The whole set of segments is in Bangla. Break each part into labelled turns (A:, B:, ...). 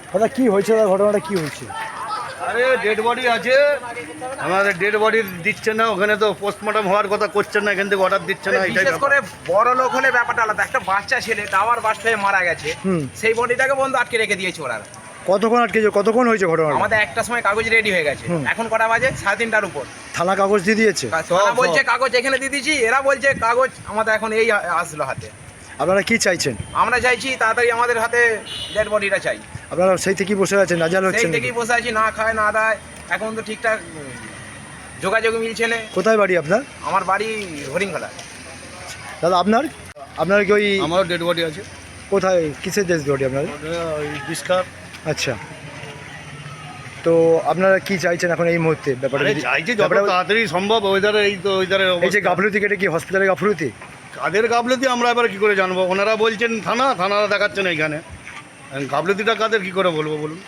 A: দাদা কি হয়েছে, দাদা ঘটনাটা কি হয়েছে?
B: আরে ডেড বডি আছে, আমাদের ডেড বডি দিচ্ছে না, ওখানে তো পোস্টমর্টম হওয়ার কথা করছেন না, এখান থেকে অর্ডার দিচ্ছে না। এটাই
C: বিশেষ করে বড় লোক হলে ব্যাপারটা আলাদা। একটা বাচ্চা ছেলে টাওয়ার বাস্ট হয়ে মারা গেছে, সেই বডিটাকে বন্ধ আটকে রেখে দিয়েছে ওরা।
A: কতক্ষণ আটকেছে, কতক্ষণ হয়েছে ঘটনা?
C: আমাদের একটা সময় কাগজ রেডি হয়ে গেছে, এখন কটা বাজে? 3:30টার উপর।
A: থানা কাগজ দিয়ে দিয়েছে?
C: থানা বলছে কাগজ এখানে দিয়ে দিয়েছি, এরা বলছে কাগজ আমাদের এখন এই আসলো হাতে।
A: আপনারা কি চাইছেন?
C: আমরা চাইছি তাড়াতাড়ি আমাদের হাতে ডেড বডিটা চাই।
A: আপনারা সেই থেকেই বসে আছেন, নাজাল
C: সেই
A: হচ্ছেন?
C: থেকেই বসে আছি, না খায় না দায়, এখন তো ঠিকঠাক যোগাযোগ মিলছে না।
A: কোথায় বাড়ি আপনার?
C: আমার বাড়ি হরিণখোলা।
A: দাদা আপনার আপনার কি ওই
B: আমারও ডেড বডি আছে।
A: কোথায়, কিসের দেশ বাড়ি আপনার?
B: ওই বিস্কার।
A: আচ্ছা, তো আপনারা কি চাইছেন এখন এই মুহূর্তে ব্যাপারটা?
B: চাইছি যত তাড়াতাড়ি সম্ভব। ওয়েদারে এই তো ওয়েদারে
A: এই যে গাফলতি, কেটে কি হসপিটালে গাফলতি?
B: কাদের গাফলতি আমরা এবার কি করে জানবো? ওনারা বলছেন থানারা দেখাচ্ছেন এইখানে, গাফলতিটা কাদের কি করে বলবো বলুন?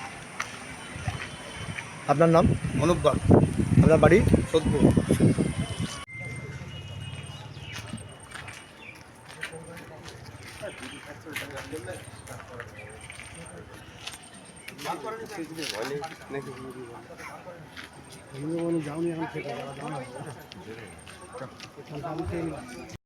A: আপনার নাম?
B: অনুপ বাগ,
A: আপনার বাড়ি?
B: সোদপুর।